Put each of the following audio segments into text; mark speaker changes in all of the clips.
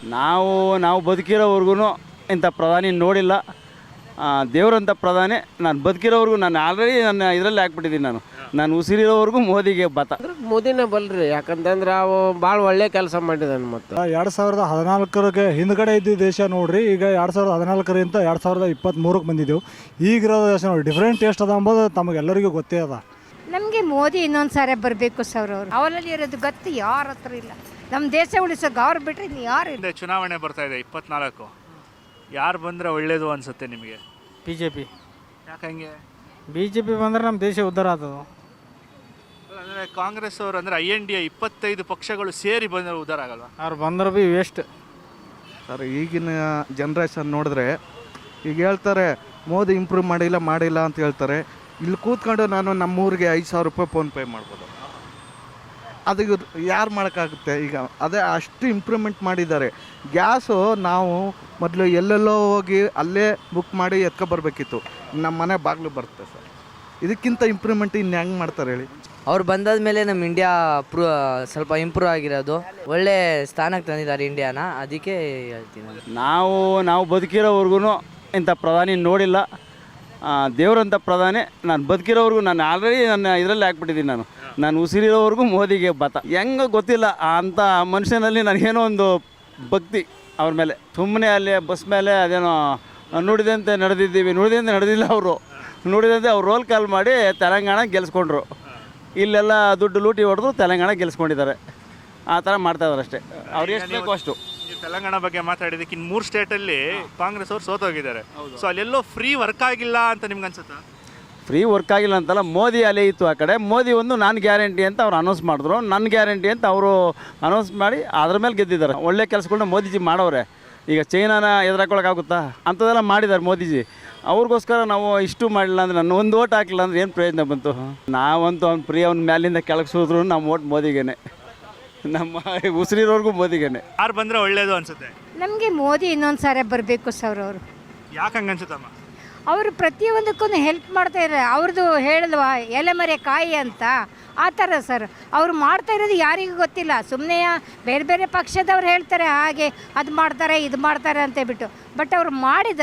Speaker 1: ನಾವು ನಾವು ಬದುಕಿರೋವರೆಗೂ ಇಂಥ ಪ್ರಧಾನಿ ನೋಡಿಲ್ಲ. ದೇವರಂಥ ಪ್ರಧಾನಿ ನಾನು ಬದುಕಿರೋವರೆಗೂ ನಾನು ಆಲ್ರೆಡಿ ನನ್ನ ಇದರಲ್ಲಿ ಹಾಕ್ಬಿಟ್ಟಿದ್ದೀನಿ. ನಾನು ಉಸಿರಿರೋವರೆಗೂ ಮೋದಿಗೆ ಬತ.
Speaker 2: ಮೋದಿನೇ ಬಲ್ರಿ, ಯಾಕಂತಂದ್ರೆ ಅವು ಭಾಳ ಒಳ್ಳೆ ಕೆಲಸ ಮಾಡಿದಾನೆ. ಮತ್ತು
Speaker 3: 2014 ಹಿಂದ್ಗಡೆ ಇದ್ದ ದೇಶ ನೋಡ್ರಿ, ಈಗ 2014 2023 ಬಂದಿದ್ದೆವು. ಈಗಿರೋ ದೇಶ ನೋಡಿ ಡಿಫ್ರೆಂಟ್ ಟೇಸ್ಟ್ ಅದ ಅಂಬೋದು ತಮಗೆಲ್ಲರಿಗೂ ಗೊತ್ತೇ ಅದ.
Speaker 4: ನಮಗೆ ಮೋದಿ ಇನ್ನೊಂದು ಸಾರಿ ಬರಬೇಕು ಸರ್. ಅವರು ಅವರಲ್ಲಿ ಇರೋದು ಗೊತ್ತು ಯಾರ ಹತ್ರ ಇಲ್ಲ. ನಮ್ಮ ದೇಶ ಉಳಿಸೋಕೆ ಅವ್ರು ಬಿಟ್ಟರೆ ಇನ್ನು ಯಾರು ಇಲ್ಲ.
Speaker 5: ಚುನಾವಣೆ ಬರ್ತಾ ಇದೆ 24. ಯಾರು ಬಂದರೆ ಒಳ್ಳೇದು ಅನಿಸುತ್ತೆ ನಿಮಗೆ?
Speaker 6: BJP.
Speaker 5: ಯಾಕಂಗೆ
Speaker 6: BJP ಬಂದರೆ ನಮ್ಮ ದೇಶ ಉದ್ಧಾರ ಆಗ್ತದೆ.
Speaker 5: ಅಂದರೆ ಕಾಂಗ್ರೆಸ್ ಅವರು ಅಂದರೆ INDA 25 ಪಕ್ಷಗಳು ಸೇರಿ ಬಂದರೆ ಉದ್ಧಾರ ಆಗಲ್ವಾ?
Speaker 6: ಅವ್ರು ಬಂದ್ರೆ ಭೀ ವೇಸ್ಟ್
Speaker 7: ಸರ್. ಈಗಿನ ಜನ್ರೇಷನ್ ನೋಡಿದ್ರೆ ಈಗ ಹೇಳ್ತಾರೆ ಮೋದಿ ಇಂಪ್ರೂವ್ ಮಾಡಿಲ್ಲ ಅಂತ ಹೇಳ್ತಾರೆ. ಇಲ್ಲಿ ಕೂತ್ಕೊಂಡು ನಾನು ನಮ್ಮೂರಿಗೆ 5,000 ರೂಪಾಯಿ ಫೋನ್ಪೇ ಮಾಡ್ಬೋದು. ಅದು ಯಾರು ಮಾಡೋಕ್ಕಾಗುತ್ತೆ? ಈಗ ಅದೇ ಅಷ್ಟು ಇಂಪ್ರೂವ್ಮೆಂಟ್ ಮಾಡಿದ್ದಾರೆ. ಗ್ಯಾಸು ನಾವು ಮೊದಲು ಎಲ್ಲೆಲ್ಲೋ ಹೋಗಿ ಅಲ್ಲೇ ಬುಕ್ ಮಾಡಿ ಎತ್ಕೊಬರ್ಬೇಕಿತ್ತು, ನಮ್ಮ ಮನೆ ಬಾಗಿಲು ಬರುತ್ತೆ ಸರ್. ಇದಕ್ಕಿಂತ ಇಂಪ್ರೂವ್ಮೆಂಟ್ ಇನ್ನು ಹೆಂಗೆ ಮಾಡ್ತಾರೆ ಹೇಳಿ?
Speaker 8: ಅವ್ರು ಬಂದಾದ ಮೇಲೆ ನಮ್ಮ ಇಂಡಿಯಾ ಸ್ವಲ್ಪ ಇಂಪ್ರೂವ್ ಆಗಿರೋದು, ಒಳ್ಳೆ ಸ್ಥಾನಕ್ಕೆ ತಂದಿದ್ದಾರೆ ಇಂಡಿಯಾನ, ಅದಕ್ಕೆ ಹೇಳ್ತೀನಿ.
Speaker 1: ನಾವು ಬದುಕಿರೋವರೆಗೂ ಇಂಥ ಪ್ರಧಾನಿ ನೋಡಿಲ್ಲ. ದೇವರಂಥ ಪ್ರಧಾನಿ ನಾನು ಬದುಕಿರೋವರೆಗೂ ನಾನು ಆಲ್ರೆಡಿ ನನ್ನ ಇದರಲ್ಲಿ ಹಾಕ್ಬಿಟ್ಟಿದ್ದೀನಿ. ನಾನು ಉಸಿರಿರೋವರೆಗೂ ಮೋದಿಗೆ ಬತ. ಹೆಂಗೆ ಗೊತ್ತಿಲ್ಲ, ಅಂಥ ಮನುಷ್ಯನಲ್ಲಿ ನನಗೇನೋ ಒಂದು ಭಕ್ತಿ ಅವ್ರ ಮೇಲೆ. ಸುಮ್ಮನೆ ಅಲ್ಲಿ ಬಸ್ ಮೇಲೆ ಅದೇನೋ ನುಡಿದಂತೆ ನಡೆದಿಲ್ಲ. ಅವರು ನುಡಿದಂತೆ ಅವ್ರು ರೋಲ್ ಕಾಲ್ ಮಾಡಿ ತೆಲಂಗಾಣ ಗೆಲ್ಸ್ಕೊಂಡ್ರು. ಇಲ್ಲೆಲ್ಲ ದುಡ್ಡು ಲೂಟಿ ಹೊಡೆದು ತೆಲಂಗಾಣ ಗೆಲ್ಸ್ಕೊಂಡಿದ್ದಾರೆ. ಆ ಥರ ಮಾಡ್ತಾಯಿದ್ದಾರೆ ಅಷ್ಟೇ. ಅವ್ರು ಎಷ್ಟು ಬೇಕೋ ಅಷ್ಟು.
Speaker 5: ತೆಲಂಗಾಣ ಬಗ್ಗೆ ಮಾತಾಡಿದ್ದಕ್ಕೆ ಇನ್ನು 3 ಸ್ಟೇಟಲ್ಲಿ ಕಾಂಗ್ರೆಸ್ ಅವರು ಸೋತೋಗಿದ್ದಾರೆ. ಸೊ ಅಲ್ಲೆಲ್ಲೋ ಫ್ರೀ ವರ್ಕ್ ಆಗಿಲ್ಲ ಅಂತ ನಿಮ್ಗೆ ಅನ್ಸುತ್ತಾ?
Speaker 1: ಫ್ರೀ ವರ್ಕ್ ಆಗಿಲ್ಲ ಅಂತಲ್ಲ, ಮೋದಿ ಅಲೆ ಇತ್ತು ಆ ಕಡೆ. ಮೋದಿ ಒಂದು ನಾನು ಗ್ಯಾರಂಟಿ ಅಂತ ಅವ್ರು ಅನೌನ್ಸ್ ಮಾಡಿದ್ರು, ನನ್ನ ಗ್ಯಾರಂಟಿ ಅಂತ ಅವರು ಅನೌನ್ಸ್ ಮಾಡಿ ಅದ್ರ ಮೇಲೆ ಗೆದ್ದಿದ್ದಾರೆ. ಒಳ್ಳೆ ಕೆಲಸಗಳನ್ನ ಮೋದಿಜಿ ಮಾಡೋರೆ. ಈಗ ಚೈನಾನ ಎದುರಾಕೊಳ್ಳೋಕ್ಕಾಗುತ್ತಾ? ಅಂಥದ್ದೆಲ್ಲ ಮಾಡಿದ್ದಾರೆ ಮೋದಿಜಿ. ಅವ್ರಿಗೋಸ್ಕರ ನಾವು ಇಷ್ಟು ಮಾಡಲಿಲ್ಲ ಅಂದರೆ, ನಾನು ಒಂದು ಓಟ್ ಹಾಕಲಿಲ್ಲ ಅಂದರೆ ಏನು ಪ್ರಯೋಜನ ಬಂತು? ನಾವಂತೂ ಅವ್ನು ಫ್ರೀ ಅವ್ನ ಮ್ಯಾಲಿಂದ ಕೆಳಗೆ ಸೋದ್ರು ನಮ್ಮ ಓಟ್ ಮೋದಿಗೇನೆ, ನಮ್ಮ ಉಸಿರಿರೋರ್ಗೂ ಮೋದಿಗೇನೆ.
Speaker 5: ಯಾರು ಬಂದರೆ ಒಳ್ಳೇದು ಅನಿಸುತ್ತೆ?
Speaker 4: ನಮಗೆ ಮೋದಿ ಇನ್ನೊಂದು ಸಾರಿ ಬರಬೇಕು ಸರ್. ಅವರು
Speaker 5: ಯಾಕೆ ಹಂಗೆ ಅನ್ಸುತ್ತಮ್ಮ?
Speaker 4: ಅವರು ಪ್ರತಿಯೊಂದಕ್ಕೂ ಹೆಲ್ಪ್ ಮಾಡ್ತಾ ಇದ್ದಾರೆ. ಅವ್ರದ್ದು ಹೇಳಿದ್ವಾ ಎಲೆಮರೆ ಕಾಯಿ ಅಂತ, ಆ ಥರ ಸರ್. ಅವ್ರು ಮಾಡ್ತಾ ಇರೋದು ಯಾರಿಗೂ ಗೊತ್ತಿಲ್ಲ. ಸುಮ್ಮನೆ ಬೇರೆ ಬೇರೆ ಪಕ್ಷದವ್ರು ಹೇಳ್ತಾರೆ ಹಾಗೆ ಅದು ಮಾಡ್ತಾರೆ ಇದು ಮಾಡ್ತಾರೆ ಅಂತ ಬಿಟ್ಟು, ಬಟ್ ಅವ್ರು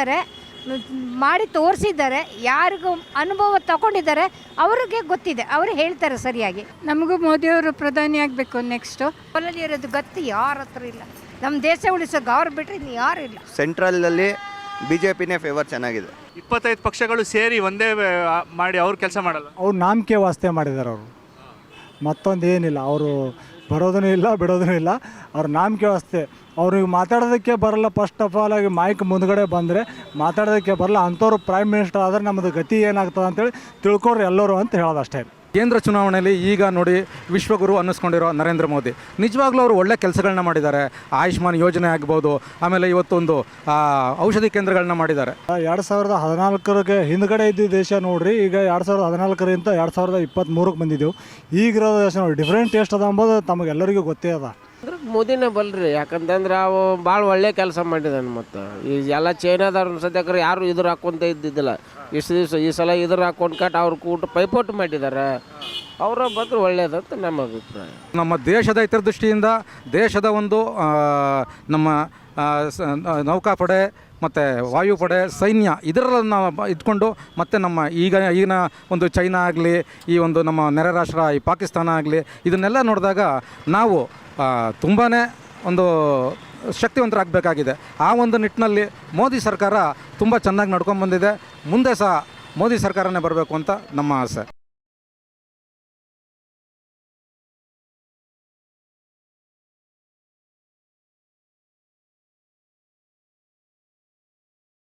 Speaker 4: ಮಾಡಿ ತೋರಿಸಿದ್ದಾರೆ. ಯಾರಿಗೂ ಅನುಭವ ತಗೊಂಡಿದ್ದಾರೆ, ಅವ್ರಿಗೆ ಗೊತ್ತಿದೆ, ಅವರು ಹೇಳ್ತಾರೆ ಸರಿಯಾಗಿ.
Speaker 9: ನಮಗೂ ಮೋದಿಯವರು ಪ್ರಧಾನಿ ಆಗಬೇಕು ನೆಕ್ಸ್ಟು.
Speaker 4: ಅವರಲ್ಲಿ ಇರೋದು ಗೊತ್ತು ಯಾರ ಹತ್ರ ಇಲ್ಲ. ನಮ್ಮ ದೇಶ ಉಳಿಸೋಕೆ ಅವ್ರು ಬಿಟ್ಟರೆ ಇನ್ನು ಯಾರು ಇಲ್ಲ.
Speaker 10: ಸೆಂಟ್ರಲಲ್ಲಿ BJPನೇ ಫೇವರ್ ಚೆನ್ನಾಗಿದೆ.
Speaker 5: 25 ಪಕ್ಷಗಳು ಸೇರಿ ಒಂದೇ ಮಾಡಿ ಅವ್ರು ಕೆಲಸ ಮಾಡಲ್ಲ.
Speaker 3: ಅವ್ರು ನಂಬಿಕೆ ವಾಸ್ತೆ ಮಾಡಿದ್ದಾರೆ. ಅವರು ಮತ್ತೊಂದು ಏನಿಲ್ಲ. ಅವರು ಬರೋದೂ ಇಲ್ಲ ಬಿಡೋದೂ ಇಲ್ಲ. ಅವ್ರ ನಂಬಿಕೆ ವಾಸ್ತೆ. ಅವ್ರಿಗೆ ಮಾತಾಡೋದಕ್ಕೆ ಬರಲ್ಲ. ಫಸ್ಟ್ ಆಫ್ ಆಲ್ ಆಗಿ ಮೈಕ್ ಮುಂದ್ಗಡೆ ಬಂದರೆ ಮಾತಾಡೋದಕ್ಕೆ ಬರಲ್ಲ. ಅಂಥವ್ರು ಪ್ರೈಮ್ ಮಿನಿಸ್ಟರ್ ಆದರೆ ನಮ್ಮದು ಗತಿ ಏನಾಗ್ತದೆ ಅಂತೇಳಿ ತಿಳ್ಕೊಡ್ರಿ ಎಲ್ಲರೂ ಅಂತ ಹೇಳೋದು ಅಷ್ಟೇ.
Speaker 11: ಕೇಂದ್ರ ಚುನಾವಣೆಯಲ್ಲಿ ಈಗ ನೋಡಿ ವಿಶ್ವಗುರು ಅನ್ನಿಸ್ಕೊಂಡಿರೋ ನರೇಂದ್ರ ಮೋದಿ ನಿಜವಾಗ್ಲೂ ಅವರು ಒಳ್ಳೆ ಕೆಲಸಗಳನ್ನ ಮಾಡಿದ್ದಾರೆ. ಆಯುಷ್ಮಾನ್ ಯೋಜನೆ ಆಗ್ಬೋದು, ಆಮೇಲೆ ಇವತ್ತೊಂದು ಔಷಧಿ ಕೇಂದ್ರಗಳನ್ನ ಮಾಡಿದ್ದಾರೆ.
Speaker 3: 2014 ಹಿಂದ್ಗಡೆ ಇದ್ದ ದೇಶ ನೋಡ್ರಿ, ಈಗ 2014 2023 ಬಂದಿದ್ದೆವು. ಈಗಿರೋ ದೇಶ ನೋಡಿ ಡಿಫ್ರೆಂಟ್ ಟೇಸ್ಟ್ ಅದ ಅಂಬೋದು ತಮಗೆಲ್ಲರಿಗೂ ಗೊತ್ತೇ ಅದ.
Speaker 2: ಮೋದಿನೇ ಬಲ್ರಿ, ಯಾಕಂತಂದ್ರೆ ಅವು ಭಾಳ ಒಳ್ಳೆ ಕೆಲಸ ಮಾಡಿದಾನೆ. ಮತ್ತು ಈ ಎಲ್ಲ ಚೈನಾದವ್ರ ಸದ್ಯಕ್ಕೆ ಯಾರು ಇದ್ರ ಹಾಕ್ಕೊಂತ ಇದ್ದಿದ್ದಿಲ್ಲ. ಇಷ್ಟು ದಿವಸ ಈ ಸಲ ಇದ್ರ ಹಾಕ್ಕೊಂಡು ಅವ್ರು ಕೂಟ ಪೈಪೋಟು ಮಾಡಿದ್ದಾರೆ. ಅವರ ಬಂದ್ರೆ ಒಳ್ಳೇದಂತ ನಮ್ಮ ಅಭಿಪ್ರಾಯ.
Speaker 11: ನಮ್ಮ ದೇಶದ ಹಿತದೃಷ್ಟಿಯಿಂದ ದೇಶದ ಒಂದು ನಮ್ಮ ನೌಕಾಪಡೆ ಮತ್ತು ವಾಯುಪಡೆ, ಸೈನ್ಯ ಇದರನ್ನು ಇಟ್ಕೊಂಡು ಮತ್ತು ನಮ್ಮ ಈಗಿನ ಒಂದು ಚೈನಾ ಆಗಲಿ, ಈ ಒಂದು ನಮ್ಮ ನೆರೆ ರಾಷ್ಟ್ರ ಈ ಪಾಕಿಸ್ತಾನ ಆಗಲಿ, ಇದನ್ನೆಲ್ಲ ನೋಡಿದಾಗ ನಾವು ತುಂಬಾ ಒಂದು ಶಕ್ತಿವಂತರಾಗಬೇಕಾಗಿದೆ. ಆ ಒಂದು ನಿಟ್ಟಿನಲ್ಲಿ ಮೋದಿ ಸರ್ಕಾರ ತುಂಬ ಚೆನ್ನಾಗಿ ನಡ್ಕೊಂಡು ಬಂದಿದೆ. ಮುಂದೆ ಸಹ ಮೋದಿ ಸರ್ಕಾರನೇ ಬರಬೇಕು ಅಂತ ನಮ್ಮ ಆಸೆ.